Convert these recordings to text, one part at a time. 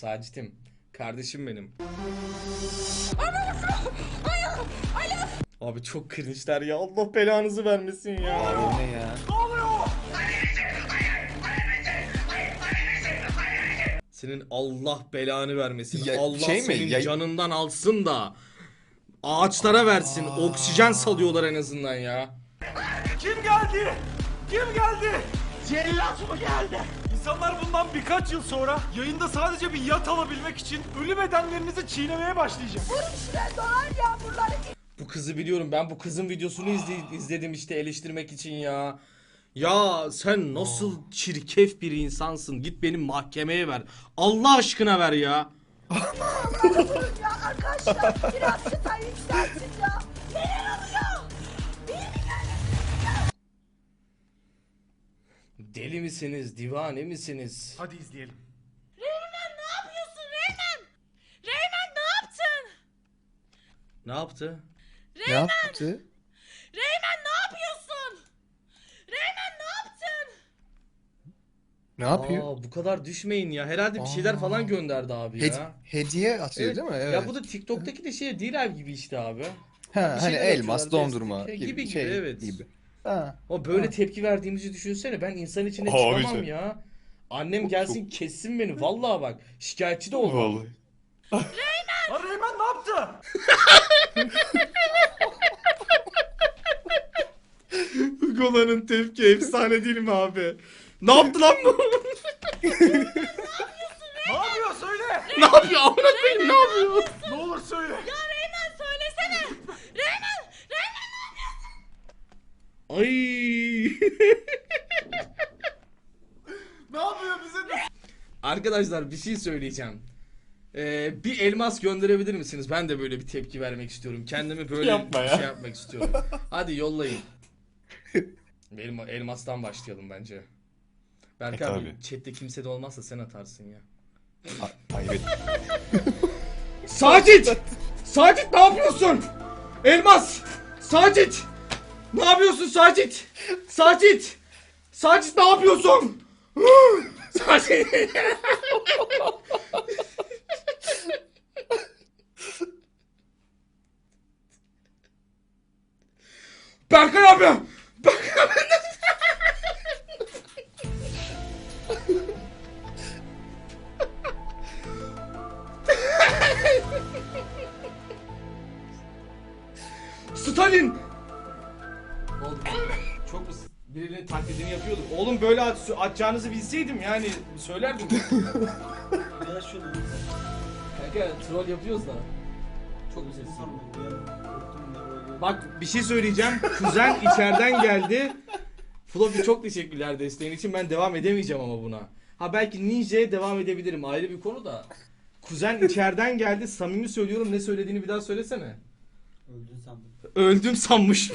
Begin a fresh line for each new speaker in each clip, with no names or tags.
Sacit'im. Kardeşim benim. Abi çok cringe'ler ya. Allah belanızı vermesin ya.
Abi ne ya?
Senin Allah belanı vermesin.
Ya,
Allah
şey mi?
senin
Ya-
canından alsın da ağaçlara versin. Oksijen salıyorlar en azından ya.
Kim geldi? Kim geldi? Cellat mı geldi? İnsanlar bundan birkaç yıl sonra yayında sadece bir yat alabilmek için ölü bedenlerinizi çiğnemeye başlayacak.
Bu kızı biliyorum. Ben bu kızın videosunu izledim işte eleştirmek için ya. Ya sen nasıl çirkef bir insansın. Git beni mahkemeye ver. Allah aşkına ver ya.
Ya arkadaşlar biraz çıta yükseltin ya. Neler oluyor?
Deli misiniz? Divane misiniz?
Hadi izleyelim.
Reymen ne yapıyorsun Reymen? Reymen ne yaptın?
Ne yaptı?
Ne yaptı?
Reymen ne yapıyorsun? Reymen ne yaptın?
Ne yapıyor?
Aa, bu kadar düşmeyin ya. Herhalde bir şeyler falan gönderdi abi ya.
Hediye atıyor
Evet.
değil mi? Evet.
Ya bu da TikTok'taki de şey değil abi gibi işte abi.
Ha,
bir
hani
şeyler
elmas,
atıyorlar,
dondurma
destek
gibi,
gibi, evet.
gibi. Ha.
O böyle tepki verdiğimizi düşünsene. Ben insan içine
Abi
çıkamam
sen-
ya. Annem gelsin kessin beni. Vallahi bak. Şikayetçi de olmam.
Vallahi.
Lan Reymen ne yaptı?
Gola'nın tepki efsane değil mi abi? Ne yaptı lan bu?
Ne yapıyor söyle.
Ne yapıyor? Amına koyayım ne yapıyor?
Ne olur söyle.
Reymen söylesene. Reymen.
Ay.
Ne yapıyor bize de?
Arkadaşlar bir şey söyleyeceğim. Bir elmas gönderebilir misiniz? Ben de böyle bir tepki vermek istiyorum. Kendimi böyle
Yapma
bir
ya.
şey yapmak istiyorum. Hadi yollayın. Benim elmastan başlayalım bence. Berk abi
tabii.
chatte kimse de olmazsa sen atarsın ya.
Hayret.
Sacit! Sacit ne yapıyorsun? Elmas! Sacit! Ne yapıyorsun Sacit? Sacit! Sacit ne yapıyorsun? Sacit! Berkay abi! Berkay abi! Stalin! Oğlum çok mu birinin taklidini yapıyordum. Oğlum böyle atacağınızı bilseydim yani söylerdim. Kanka troll yapıyoruz da. Çok mu sessiz? Bak bir şey söyleyeceğim. Kuzen içeriden geldi. Floppy çok teşekkürler desteğin için. Ben devam edemeyeceğim ama buna. Ha belki Ninja'ya devam edebilirim. Ayrı bir konu da. Kuzen içeriden geldi. Samimi söylüyorum. Ne söylediğini bir daha söylesene.
Öldün sandım.
Öldüm sanmış.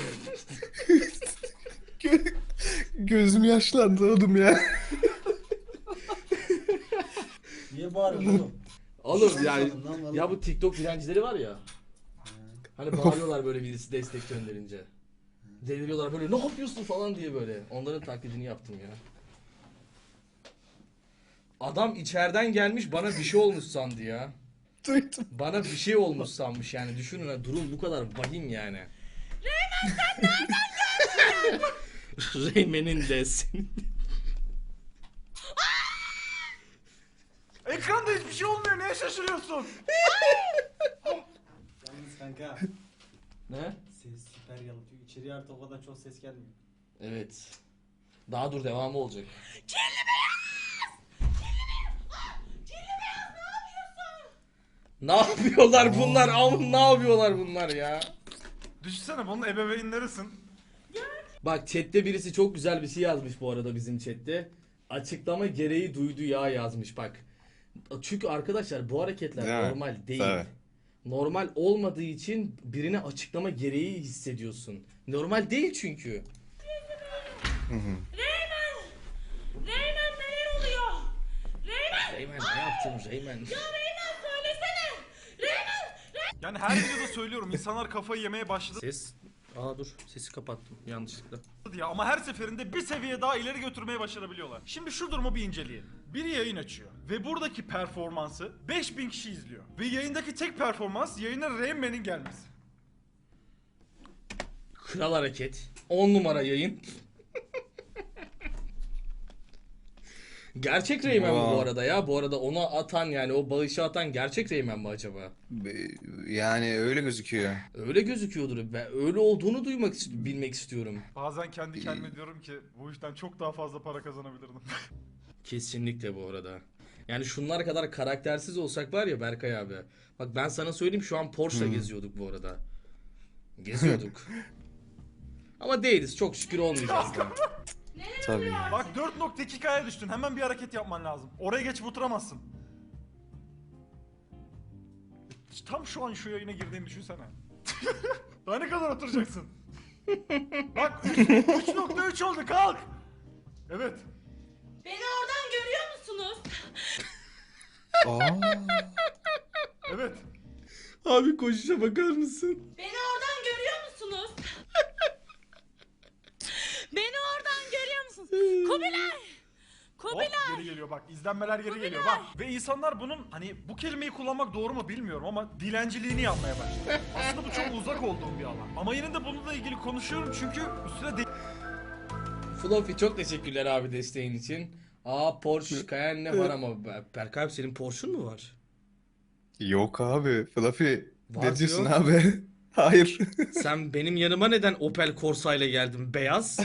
Gözüm yaşlandı oğlum ya.
Niye bağırıyorsun oğlum?
Oğlum yani
Lan vallahi.
ya bu TikTok direncileri var ya. Hani bağırıyorlar böyle birisi destek gönderince. Deliriyorlar böyle ne yapıyorsun falan diye böyle. Onların taklidini yaptım ya. Adam içeriden gelmiş bana bir şey olmuş sandı ya.
Duydum.
Bana bir şey olmuş sanmış yani. Düşünün ha durum bu kadar vahim yani. Reymen sen nereden geldin? Reymen'in de senin.
Ekranda hiçbir şey olmuyor. Neye şaşırıyorsun?
Yalnız kanka
Ne?
ses süper yalıtıyor. İçeriye artık o kadar çok ses gelmiyor.
Evet. Daha dur devamı olacak. Ne yapıyorlar bunlar? Am ne yapıyorlar bunlar ya?
Düşünsene bunun ebeveynlerisin.
Bak chatte birisi çok güzel bir şey yazmış bu arada bizim chatte. Açıklama gereği duydu ya yazmış bak. Çünkü arkadaşlar bu hareketler
Değil mi?
normal değil.
Tabii.
Normal olmadığı için birine açıklama gereği hissediyorsun. Normal değil çünkü.
Reymen neler oluyor? Reymen.
Reymen ne yaptın Reymen?
Reymen söylesene. Reymen.
Yani her videoda söylüyorum insanlar kafayı yemeye başladı.
Ses Aa dur, sesi kapattım yanlışlıkla.
diye ama her seferinde bir seviye daha ileri götürmeye başarabiliyorlar. Şimdi şu durumu bir inceleyelim. Biri yayın açıyor ve buradaki performansı 5000 kişi izliyor. Ve yayındaki tek performans yayına Rain Man'in gelmesi.
Kral hareket. 10 numara yayın. Gerçek Rayman mı bu
Wow.
arada ya? Bu arada ona atan, yani o bağışı atan gerçek Rayman mı acaba?
Yani öyle gözüküyor.
Öyle gözüküyordur. Ben öyle olduğunu bilmek istiyorum.
Bazen kendi kendime diyorum ki bu işten çok daha fazla para kazanabilirdim.
Kesinlikle bu arada. Yani şunlar kadar karaktersiz olsak var ya Berkay abi. Bak ben sana söyleyeyim, şu an Porsche'la geziyorduk bu arada. Geziyorduk. Ama değiliz, çok şükür olmayacağız da.
Tabii.
Bak 4.2K'ya düştün. Hemen bir hareket yapman lazım. Oraya geçip oturamazsın. Tam şu an şu yayına girdiğini düşünsene. Daha ne kadar oturacaksın? Bak 3.3 oldu, kalk. Evet.
Beni oradan görüyor musunuz?
Aa,
Evet.
Abi koşuşa bakar mısın?
Beni oradan görüyor musunuz? Beni oradan görüyor musunuz? Kubilay!
Hop,
Kubilay!
geri geliyor bak, izlenmeler geri geliyor bak. Ve insanlar bunun hani bu kelimeyi kullanmak doğru mu bilmiyorum ama dilenciliğini yapmaya başladı. Aslında bu çok uzak olduğum bir alan. Ama yine de bununla ilgili konuşuyorum çünkü üstüne
Fluffy çok teşekkürler abi desteğin için. Aa Porsche Cayenne var ama Berkay abi senin Porsche'un mu var?
yok abi. Fluffy.
Var
Ne diyorsun
diyor.
abi? Hayır.
Sen benim yanıma neden Opel Corsa ile geldin? Beyaz.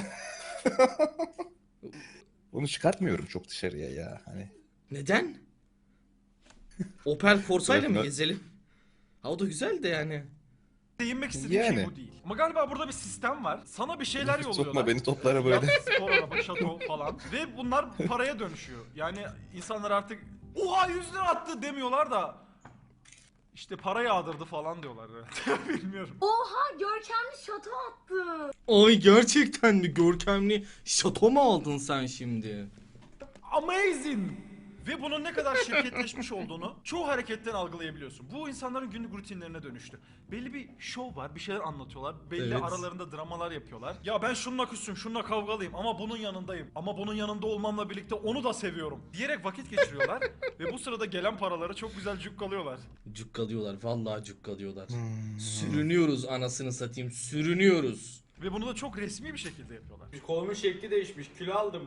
Onu çıkartmıyorum çok dışarıya ya. Hani.
Neden? Opel Corsa ile mi
Evet,
gezelim? Ha o da güzel de yani.
değinmek istediğim şey
Yani.
bu değil. Ama galiba burada bir sistem var. Sana bir şeyler yolluyorlar.
Sokma beni toplara böyle.
Yat, spor araba, şato falan. Ve bunlar paraya dönüşüyor. Yani insanlar artık oha 100 lira attı demiyorlar da işte para yağdırdı falan diyorlar. Bilmiyorum.
Oha görkemli şato attı.
Ay gerçekten mi görkemli şato mu aldın sen şimdi?
Amazing! Ve bunun ne kadar şirketleşmiş olduğunu çoğu hareketten algılayabiliyorsun. Bu insanların günlük rutinlerine dönüştü. Belli bir şov var, bir şeyler anlatıyorlar. Belli
Evet.
aralarında dramalar yapıyorlar. Ya ben şununla küssüm, şununla kavgalıyım ama bunun yanındayım. Ama bunun yanında olmamla birlikte onu da seviyorum diyerek vakit geçiriyorlar. Ve bu sırada gelen paraları çok güzel cukkalıyorlar.
Cukkalıyorlar, vallahi cukkalıyorlar. Sürünüyoruz anasını satayım, sürünüyoruz.
Ve bunu da çok resmi bir şekilde yapıyorlar.
Kolumun şekli değişmiş. Kilo aldım.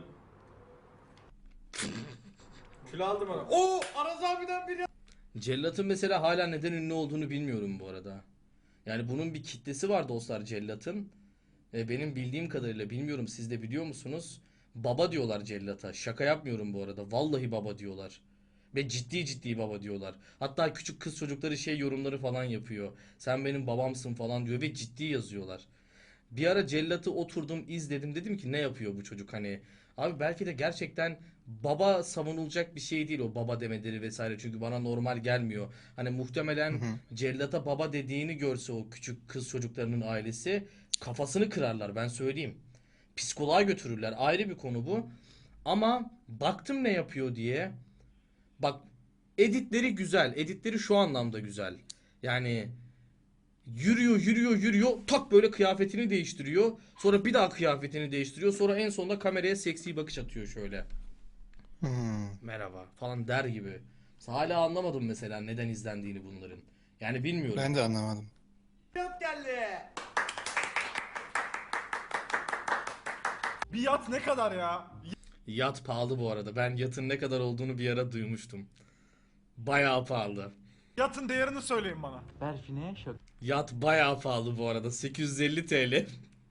Kilo aldım ona. Oo, Aras abiden biri.
Cellat'ın mesela hala neden ünlü olduğunu bilmiyorum bu arada. Yani bunun bir kitlesi var dostlar Cellat'ın. Benim bildiğim kadarıyla, bilmiyorum siz de biliyor musunuz? Baba diyorlar Cellat'a. Şaka yapmıyorum bu arada. Vallahi baba diyorlar. Ve ciddi ciddi baba diyorlar. Hatta küçük kız çocukları şey yorumları falan yapıyor. Sen benim babamsın falan diyor ve ciddi yazıyorlar. Bir ara Cellat'ı oturdum izledim, dedim ki ne yapıyor bu çocuk hani. Abi belki de gerçekten baba savunulacak bir şey değil o baba demeleri vesaire, çünkü bana normal gelmiyor. Hani muhtemelen Cellat'a baba dediğini görse o küçük kız çocuklarının ailesi kafasını kırarlar, ben söyleyeyim. Psikoloğa götürürler, ayrı bir konu bu. Ama baktım ne yapıyor diye. Bak editleri güzel, editleri şu anlamda güzel. Yani yürüyor tak böyle kıyafetini değiştiriyor, sonra bir daha kıyafetini değiştiriyor, sonra en sonunda kameraya seksi bakış atıyor şöyle, merhaba falan der gibi. Hala anlamadım mesela neden izlendiğini bunların, yani bilmiyorum.
Ben de anlamadım.
Bir yat ne kadar ya?
Yat pahalı bu arada, ben yatın ne kadar olduğunu bir ara duymuştum, bayağı pahalı.
Yatın değerini söyleyin bana.
Berfin'e şaka.
Yat bayağı pahalı bu arada, 850 TL.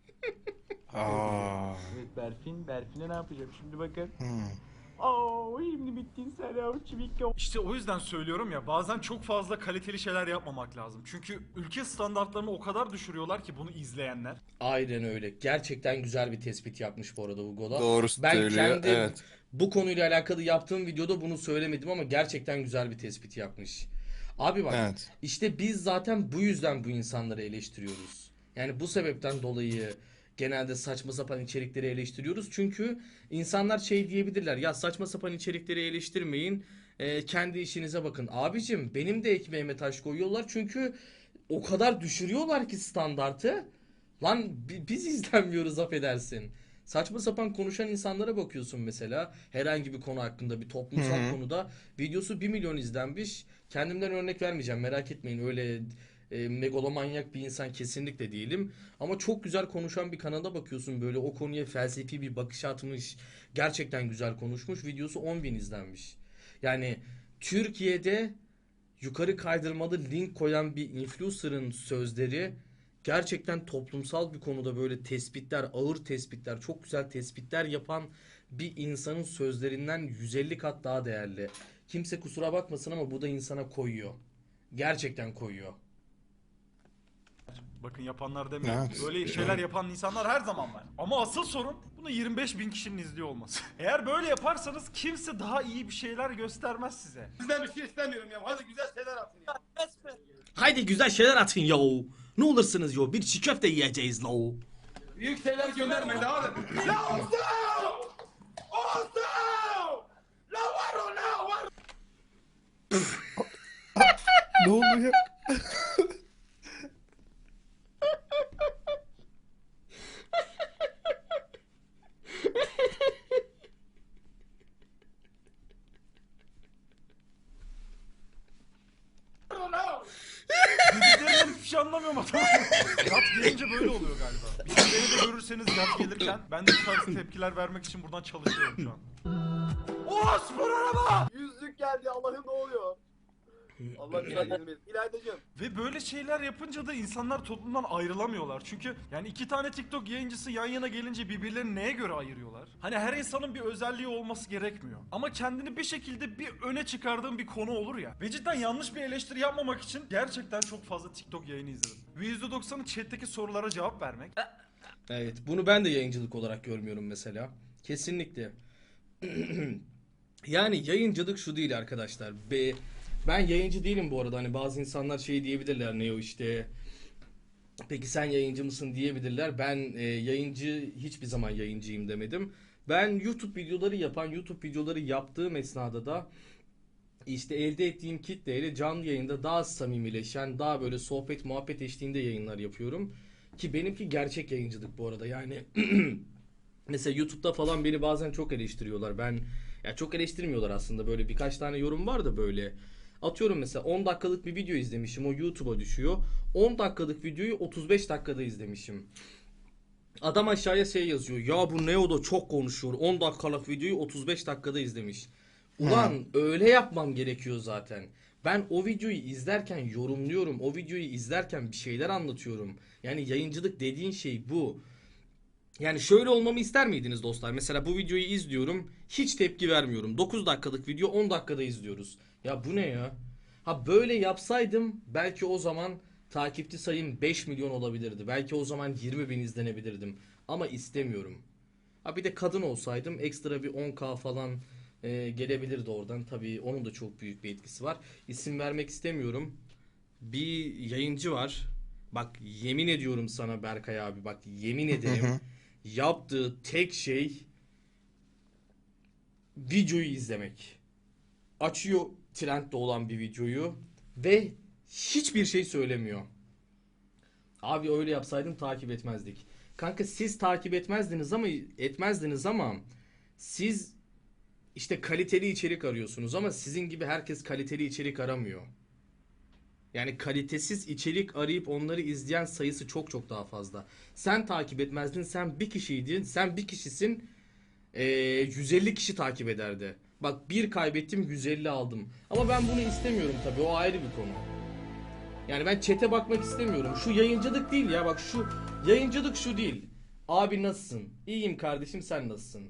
Aa.
Evet Berfin'e ne yapacağım şimdi bakın.
Hmm.
Oo, şimdi bittin sen ya çivikle.
İşte o yüzden söylüyorum ya, bazen çok fazla kaliteli şeyler yapmamak lazım. Çünkü ülke standartlarını o kadar düşürüyorlar ki bunu izleyenler.
Aynen öyle. Gerçekten güzel bir tespit yapmış bu arada Hugo'da.
Doğru
Ben
söylüyor,
kendi
evet.
bu konuyla alakalı yaptığım videoda bunu söylemedim ama gerçekten güzel bir tespit yapmış. Abi bak,
Evet.
işte biz zaten bu yüzden bu insanları eleştiriyoruz. Yani bu sebepten dolayı genelde saçma sapan içerikleri eleştiriyoruz. Çünkü insanlar şey diyebilirler, ya saçma sapan içerikleri eleştirmeyin, kendi işinize bakın. Abicim benim de ekmeğime taş koyuyorlar çünkü o kadar düşürüyorlar ki standartı. Lan biz izlenmiyoruz affedersin. Saçma sapan konuşan insanlara bakıyorsun mesela. Herhangi bir konu hakkında bir toplumsal konuda videosu 1 milyon izlenmiş. Kendimden örnek vermeyeceğim, merak etmeyin, öyle megalomanyak bir insan kesinlikle değilim. Ama çok güzel konuşan bir kanala bakıyorsun, böyle o konuya felsefi bir bakış atmış. Gerçekten güzel konuşmuş. Videosu 10 bin izlenmiş. Yani Türkiye'de yukarı kaydırmalı link koyan bir influencer'ın sözleri gerçekten toplumsal bir konuda böyle tespitler, ağır tespitler, çok güzel tespitler yapan bir insanın sözlerinden 150 kat daha değerli. Kimse kusura bakmasın ama bu da insana koyuyor. Gerçekten koyuyor.
Bakın yapanlar demiyorum.
Evet.
Böyle şeyler yapan insanlar her zaman var. Ama asıl sorun bunu 25 bin kişinin izliyor olması. Eğer böyle yaparsanız kimse daha iyi bir şeyler göstermez size.
Sizden bir şey istemiyorum ya. Hadi güzel şeyler atın ya.
Haydi güzel şeyler atın yo. Ne olursunuz yo. Bir çiğ köfte yiyeceğiz lo.
Büyük şeyler göndermeyin hadi. La olsun! Olsun! La var o la var!
Ne oluyor?
O la!
Dediklerimden hiçbir şey anlamıyorum adamım. Yat gelince böyle oluyor galiba. Bir de beni de görürseniz yat gelirken ben de bu tarz tepkiler vermek için buradan çalışıyorum şu an.
O spor araba! Yüzlük geldi Allah'ım ne oluyor? Allah güzel izin verin. İlaydacığım.
Ve böyle şeyler yapınca da insanlar toplumdan ayrılamıyorlar. Çünkü yani iki tane TikTok yayıncısı yan yana gelince birbirlerini neye göre ayırıyorlar? Hani her insanın bir özelliği olması gerekmiyor. Ama kendini bir şekilde bir öne çıkardığın bir konu olur ya. Ve cidden yanlış bir eleştiri yapmamak için gerçekten çok fazla TikTok yayını izledim. Ve %90'ı chat'teki sorulara cevap vermek.
Evet, bunu ben de yayıncılık olarak görmüyorum mesela. Kesinlikle. Yani yayıncılık şu değil arkadaşlar. Ben yayıncı değilim bu arada. Hani bazı insanlar şey diyebilirler, ne o işte. Peki sen yayıncı mısın diyebilirler. Ben yayıncı, hiçbir zaman yayıncıyım demedim. Ben YouTube videoları yaptığım esnada da işte elde ettiğim kitleyle canlı yayında daha samimileşen, daha böyle sohbet muhabbet eşliğinde yayınlar yapıyorum. Ki benimki gerçek yayıncılık bu arada. Yani mesela YouTube'da falan beni bazen çok eleştiriyorlar. Ya çok eleştirmiyorlar aslında. Böyle birkaç tane yorum var da böyle. Atıyorum mesela 10 dakikalık bir video izlemişim. O YouTube'a düşüyor. 10 dakikalık videoyu 35 dakikada izlemişim. Adam aşağıya şey yazıyor. Ya bu Neo'da çok konuşuyor. 10 dakikalık videoyu 35 dakikada izlemiş. Ulan öyle yapmam gerekiyor zaten. Ben o videoyu izlerken yorumluyorum. O videoyu izlerken bir şeyler anlatıyorum. Yani yayıncılık dediğin şey bu. Yani şöyle olmamı ister miydiniz dostlar? Mesela bu videoyu izliyorum. Hiç tepki vermiyorum. 9 dakikalık video 10 dakikada izliyoruz. Ya bu ne ya? Ha böyle yapsaydım belki o zaman takipçi sayım 5 milyon olabilirdi. Belki o zaman 20 bin izlenebilirdim. Ama istemiyorum. Ha bir de kadın olsaydım ekstra bir 10K falan gelebilirdi oradan. Tabii onun da çok büyük bir etkisi var. İsim vermek istemiyorum. Bir yayıncı var. Bak yemin ediyorum sana Berkay abi, bak yemin ederim. Yaptığı tek şey videoyu izlemek. Açıyor trendde olan bir videoyu ve hiçbir şey söylemiyor. Abi öyle yapsaydım takip etmezdik. Kanka siz takip etmezdiniz ama siz işte kaliteli içerik arıyorsunuz ama sizin gibi herkes kaliteli içerik aramıyor. Yani kalitesiz içerik arayıp onları izleyen sayısı çok çok daha fazla. Sen takip etmezdin, sen bir kişiydin, sen bir kişisin, 150 kişi takip ederdi. Bak bir kaybettim 150 aldım. Ama ben bunu istemiyorum tabii, o ayrı bir konu. Yani ben chat'e bakmak istemiyorum. Şu yayıncılık değil ya, bak şu yayıncılık şu değil. Abi nasılsın? İyiyim kardeşim, sen nasılsın?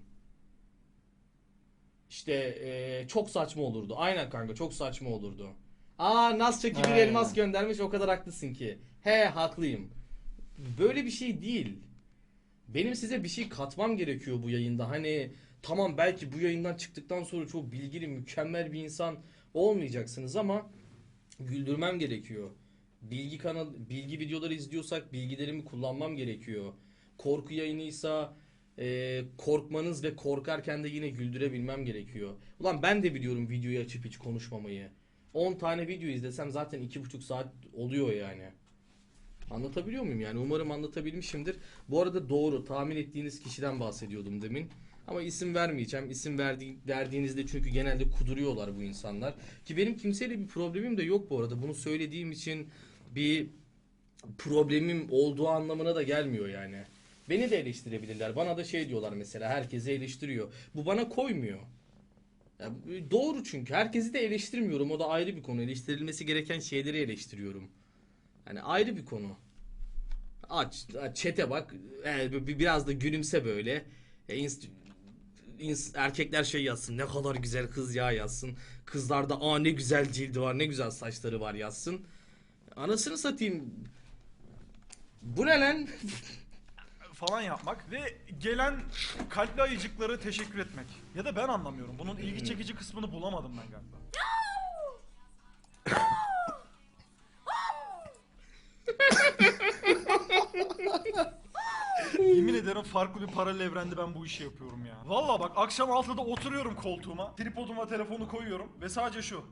İşte çok saçma olurdu. Aynen kanka, çok saçma olurdu. Aa Nasçaki bir elmas göndermiş, o kadar haklısın ki. He haklıyım. Böyle bir şey değil. Benim size bir şey katmam gerekiyor bu yayında. Hani tamam belki bu yayından çıktıktan sonra çok bilgili, mükemmel bir insan olmayacaksınız ama güldürmem gerekiyor. Bilgi videoları izliyorsak bilgilerimi kullanmam gerekiyor. Korku yayınıysa korkmanız ve korkarken de yine güldürebilmem gerekiyor. Ulan ben de biliyorum videoyu açıp hiç konuşmamayı. 10 tane video izlesem zaten 2,5 saat oluyor yani. Anlatabiliyor muyum yani? Umarım anlatabilmişimdir. Bu arada doğru, tahmin ettiğiniz kişiden bahsediyordum demin. Ama isim vermeyeceğim. İsim verdiğinizde çünkü genelde kuduruyorlar bu insanlar. Ki benim kimseyle bir problemim de yok bu arada. Bunu söylediğim için bir problemim olduğu anlamına da gelmiyor yani. Beni de eleştirebilirler. Bana da şey diyorlar mesela, herkesi eleştiriyor. Bu bana koymuyor. Ya, doğru çünkü. Herkesi de eleştirmiyorum. O da ayrı bir konu. Eleştirilmesi gereken şeyleri eleştiriyorum. Hani ayrı bir konu. Aç, chat'e bak. Biraz da gülümse böyle. Erkekler şey yazsın. Ne kadar güzel kız ya yazsın. Kızlar da ne güzel cildi var, ne güzel saçları var yazsın. Anasını satayım. Bu ne lan?
Falan yapmak ve gelen kalpli ayıcıkları teşekkür etmek. Ya da ben anlamıyorum. Bunun ilgi çekici kısmını bulamadım ben galiba. Yemin ederim farklı bir paralel evrende ben bu işi yapıyorum ya. Vallahi bak, akşam 6'da oturuyorum koltuğuma, tripoduma telefonu koyuyorum ve sadece şu.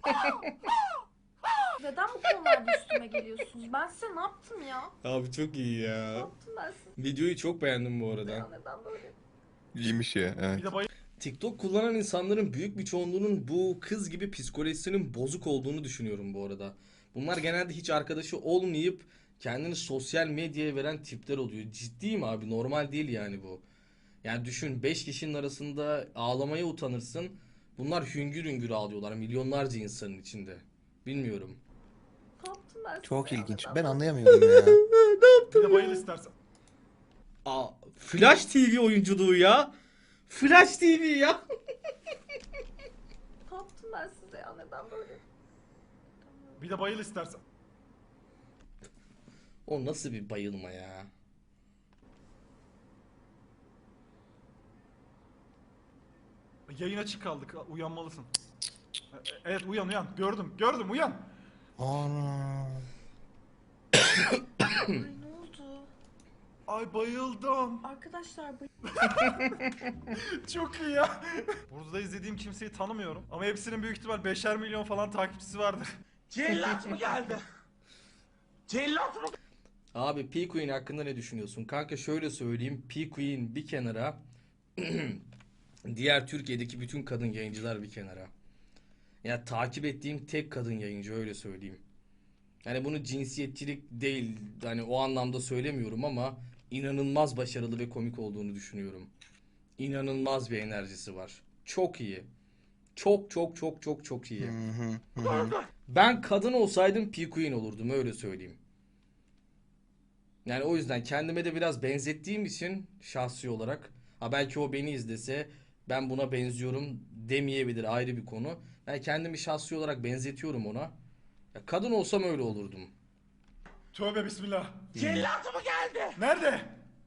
Neden bu konularda üstüme geliyorsunuz? Ben size ne yaptım ya?
Abi çok iyi
Ne
ya.
yaptım ben size?
Videoyu çok beğendim bu arada.
Ya neden böyle?
İyiymiş ya. Evet.
Bir de bayıldım.
TikTok kullanan insanların büyük bir çoğunluğunun bu kız gibi psikolojisinin bozuk olduğunu düşünüyorum bu arada. Bunlar genelde hiç arkadaşı olmayıp kendini sosyal medyaya veren tipler oluyor. Ciddiyim abi, normal değil yani bu. Yani düşün, 5 kişinin arasında ağlamaya utanırsın. Bunlar hüngür hüngür ağlıyorlar milyonlarca insanın içinde. Bilmiyorum.
Ne yaptım ben size?
Çok
ya?
ilginç.
Neden
Ben
böyle?
anlayamıyorum ya.
Bir de bayıl istersen.
Flash TV oyunculuğu ya. Flash TV ya.
Ne yaptım ben size ya? Neden böyle?
Bir de bayıl istersen.
O nasıl bir bayılma ya.
Yayın açık kaldık. Uyanmalısın. Evet, uyan. Gördüm, uyan.
Ana.
Ay ne oldu?
Ay bayıldım.
Arkadaşlar bu...
Çok iyi ya. Burada izlediğim kimseyi tanımıyorum. Ama hepsinin büyük ihtimal 5'er milyon falan takipçisi vardır.
Cellat mı geldi? Cellat mı?
Abi P-Queen hakkında ne düşünüyorsun? Kanka şöyle söyleyeyim. P-Queen bir kenara. Diğer Türkiye'deki bütün kadın yayıncılar bir kenara. Ya takip ettiğim tek kadın yayıncı, öyle söyleyeyim. Yani bunu cinsiyetçilik değil, hani o anlamda söylemiyorum ama inanılmaz başarılı ve komik olduğunu düşünüyorum. İnanılmaz bir enerjisi var. Çok iyi. Çok iyi. Ben kadın olsaydım P-Queen olurdum, öyle söyleyeyim. Yani o yüzden kendime de biraz benzettiğim için şahsi olarak, belki o beni izlese ben buna benziyorum demeyebilir, ayrı bir konu. Ben kendimi şahsi olarak benzetiyorum ona. Ya kadın olsam öyle olurdum.
Tövbe bismillah.
Cellat mı geldi?
Nerede?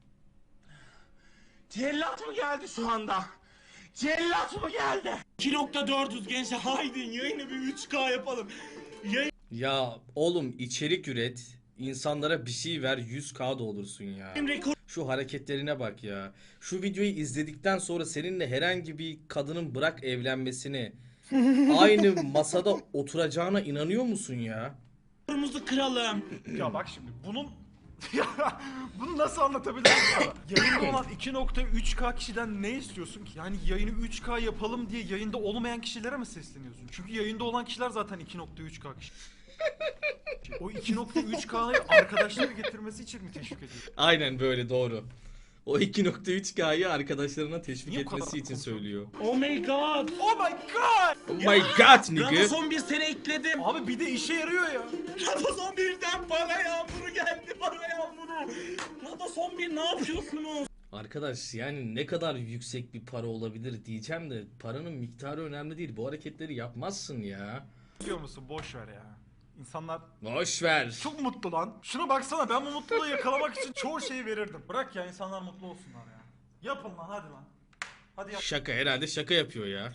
Cellat mı geldi şu anda? Cellat mı geldi? 2.400 gençler, haydi yayını bir 3K yapalım.
Ya oğlum, içerik üret, insanlara bir şey ver, 100K da olursun ya. Şu hareketlerine bak ya. Şu videoyu izledikten sonra seninle herhangi bir kadının bırak evlenmesini, aynı masada oturacağına inanıyor musun ya?
Kırmızı kralım.
Ya bak şimdi bunun... Bunu nasıl anlatabilirim sana? Yayında olan 2.3K kişiden ne istiyorsun ki? Yani yayını 3K yapalım diye yayında olmayan kişilere mi sesleniyorsun? Çünkü yayında olan kişiler zaten 2.3K kişi. O 2.3K'yı arkadaşları getirmesi için mi teşvik ediyor?
Aynen böyle, doğru. O 2.3K'yı arkadaşlarına teşvik
Niye bu kadar
etmesi için
konuşuyor?
söylüyor.
Oh my god.
Oh my god!
Oh my god nigga.
Radosson bir sene ekledim.
Abi bir de işe yarıyor ya.
Radosson 1'den para yağmuru geldi, para yağmuru. Radosson 1 ne yapıyorsunuz?
Arkadaş yani ne kadar yüksek bir para olabilir diyeceğim de paranın miktarı önemli değil. Bu hareketleri yapmazsın ya.
Biliyor musun, boş ver ya. İnsanlar
Boş ver.
çok mutlu lan. Şuna baksana, ben bu mutluluğu yakalamak için çoğu şeyi verirdim. Bırak ya, insanlar mutlu olsunlar ya. Yapın lan, hadi lan. Hadi yap.
Şaka, herhalde şaka yapıyor ya.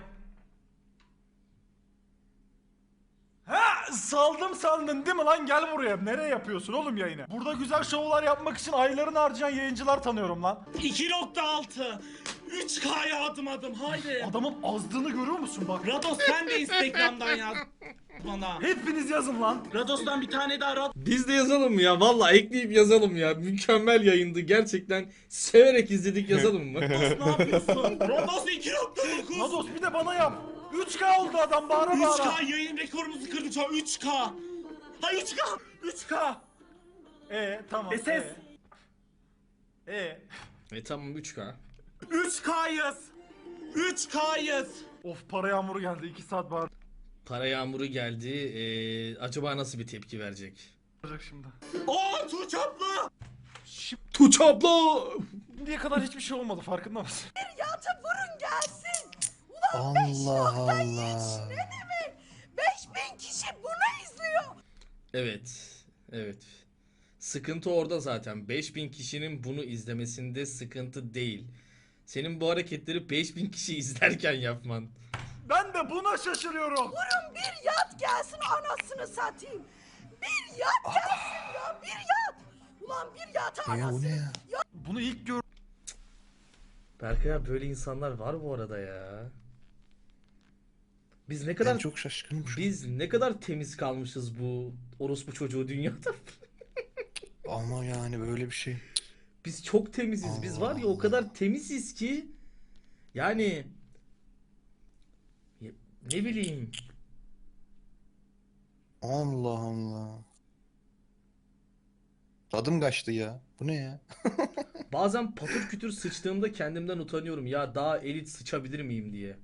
Ha, saldım sandın değil mi lan? Gel buraya. Nereye yapıyorsun oğlum yayını? Burada güzel şovlar yapmak için aylarını harcayan yayıncılar tanıyorum lan.
2.6 3K'ya adım haydi.
Adamın azdığını görüyor musun bak?
Rados sen de Instagram'dan yaz bana.
Hepiniz yazın lan.
Rados'tan bir tane daha Rados.
Biz de yazalım mı ya? Vallahi ekleyip yazalım ya. Mükemmel yayındı. Gerçekten severek izledik, yazalım mı?
Ne yapıyorsun? Rados 2.9.
Rados bir de bana yap. 3K oldu adam bağıra bağıra.
3K yayın rekorumuzu kırdı şu an 3K. Ha 3K. 3K.
Tamam.
Ses.
Tamam 3K.
3K'yız. 3K'yız.
Of para yağmuru geldi 2 saat bağıracak
Para yağmuru geldi. Acaba nasıl bir tepki verecek?
şimdi.
Aa Tuğçe abla.
Tuğçe abla!
Şimdiye kadar hiçbir şey olmadı farkında mısın?
Yata vurun gelsin.
Allah Allah.
5000 kişi bunu izliyor.
Evet. Evet. Sıkıntı orada zaten. 5000 kişinin bunu izlemesinde sıkıntı değil. Senin bu hareketleri 5000 kişi izlerken yapman.
Ben de buna şaşırıyorum.
Vurun bir yat gelsin anasını satayım. Bir yat gelsin ya bir yat. Ulan bir yat
Ya bu
anasını.
ne ya?
Bunu ilk gör...
Berkay abi, böyle insanlar var bu arada ya. Biz ne
Ben
kadar
çok şaşkınım şu an.
biz ne kadar temiz kalmışız bu orospu çocuğu dünyada.
Ama yani böyle bir şey.
Biz çok temiziz. Biz var ya o kadar temiziz ki yani ne bileyim.
Allah Allah. Tadım kaçtı ya. Bu ne ya?
Bazen patır kütür sıçtığımda kendimden utanıyorum. Ya daha elit sıçabilir miyim diye.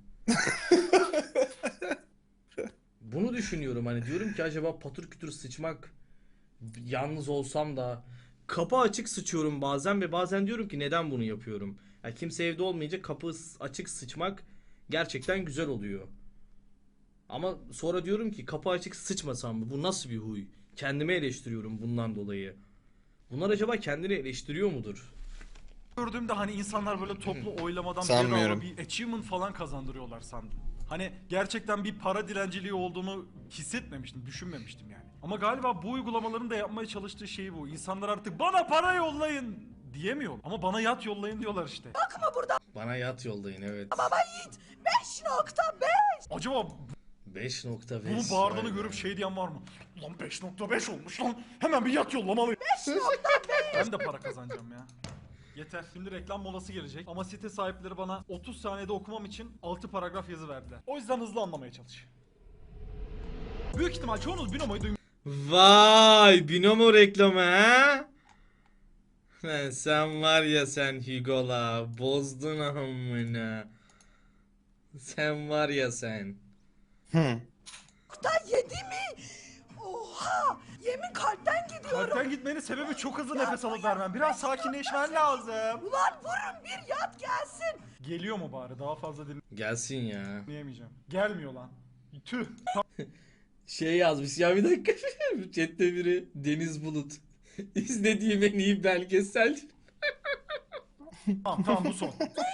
Bunu düşünüyorum, hani diyorum ki acaba patır kütür sıçmak, yalnız olsam da kapı açık sıçıyorum bazen ve bazen diyorum ki neden bunu yapıyorum? Ya kimse evde olmayınca kapı açık sıçmak gerçekten güzel oluyor. Ama sonra diyorum ki kapı açık sıçmasam mı? Bu nasıl bir huy? Kendimi eleştiriyorum bundan dolayı. Bunlar acaba kendini eleştiriyor mudur?
Gördüğümde hani insanlar böyle toplu oylamadan
Sanmıyorum.
bedava bir achievement falan kazandırıyorlar sandım. Hani gerçekten bir para dilenciliği olduğunu hissetmemiştim, düşünmemiştim yani. Ama galiba bu uygulamaların da yapmaya çalıştığı şey bu. İnsanlar artık bana para yollayın diyemiyor. Ama bana yat yollayın diyorlar işte.
Bana yat yollayın, evet.
Baba yiğit 5.5.
Acaba
5.5.
bunu bağırdığını
Vay be.
görüp şey diyen var mı? Ulan 5.5 olmuş lan. Hemen bir yat yollamalıyım. 5.5. Ben de para kazanacağım ya. Yeter. Şimdi reklam molası gelecek. Ama site sahipleri bana 30 saniyede okumam için 6 paragraf yazı verdiler. O yüzden hızlı anlamaya çalış. Büyük ihtimal çoğunuz Binomo'yu
Vay, Binomo reklamı ha? Sen var ya sen Hugo'la bozdun amına. Sen var ya sen.
Hı.
Da 7 mi? Oha! Yemin kalpten gidiyorum.
Kalpten gitmenin sebebi çok hızlı nefes alıp vermem. Biraz sakinleşmen lazım.
Ulan vurun bir yat gelsin.
Geliyor mu bari? Daha fazla
Gelsin ya.
dinleyemeyeceğim. Gelmiyor lan. Tüh.
Şey yazmış ya, bir dakika. Chat'te biri Deniz Bulut. İzlediğim en iyi belgesel.
Tamam bu son.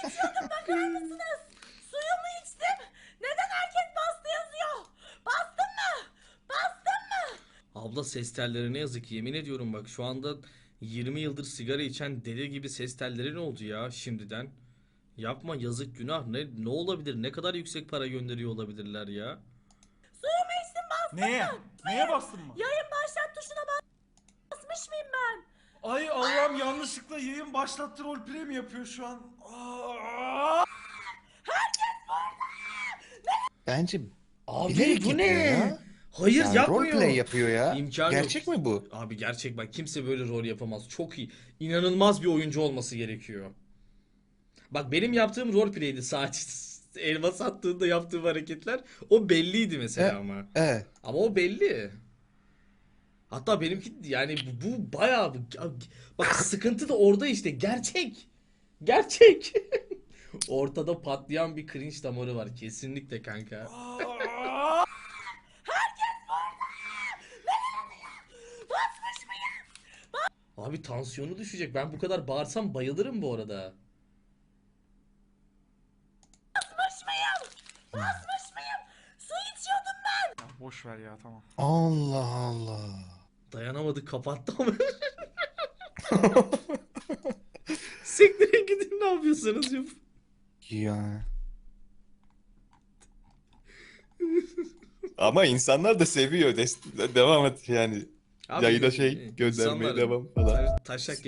Suyumu içtim. Neden herkes bastı yazıyor? Bastın mı? Bastın mı?
Abla ses telleri ne yazık ki, yemin ediyorum bak şu anda 20 yıldır sigara içen deli gibi ses telleri ne oldu ya şimdiden? Yapma, yazık, günah. Ne olabilir? Ne kadar yüksek para gönderiyor olabilirler ya?
Suyumu içtim bastın
Neye?
mı?
Neye bastın mı?
Yayın başlat tuşuna basmış mıyım ben?
Ay Allah'ım, yanlışlıkla yayın başlattı, roleplay mi yapıyor şu an? Aa!
Bence
Abi
bilerek
bu
yapıyor
ne?
ya.
Hayır,
Yani
yapmıyor.
roleplay yapıyor ya.
İmkanı
Gerçek
yok.
mi bu?
Abi gerçek, bak kimse böyle rol yapamaz. Çok iyi. İnanılmaz bir oyuncu olması gerekiyor. Bak benim yaptığım roleplay'di sadece. Elma sattığında yaptığım hareketler o belliydi mesela ama.
Evet.
Ama o belli. Hatta benimki yani bu bayağı bak sıkıntı da orada işte, gerçek. Gerçek. Ortada patlayan bir cringe damarı var kesinlikle kanka. Abi tansiyonu düşecek. Ben bu kadar bağırsam bayılırım bu arada.
Basmış mıyım? Basmış mıyım? Su içiyordum ben.
Ya boş ver ya, tamam.
Allah Allah.
Dayanamadı, kapattı ama. Siktirin gidin, ne yapıyorsanız yapın.
Ya. Ama insanlar da seviyor. Devam et yani.
Abi,
Yayına şey göndermeye
insanlar
devam falan.
taşak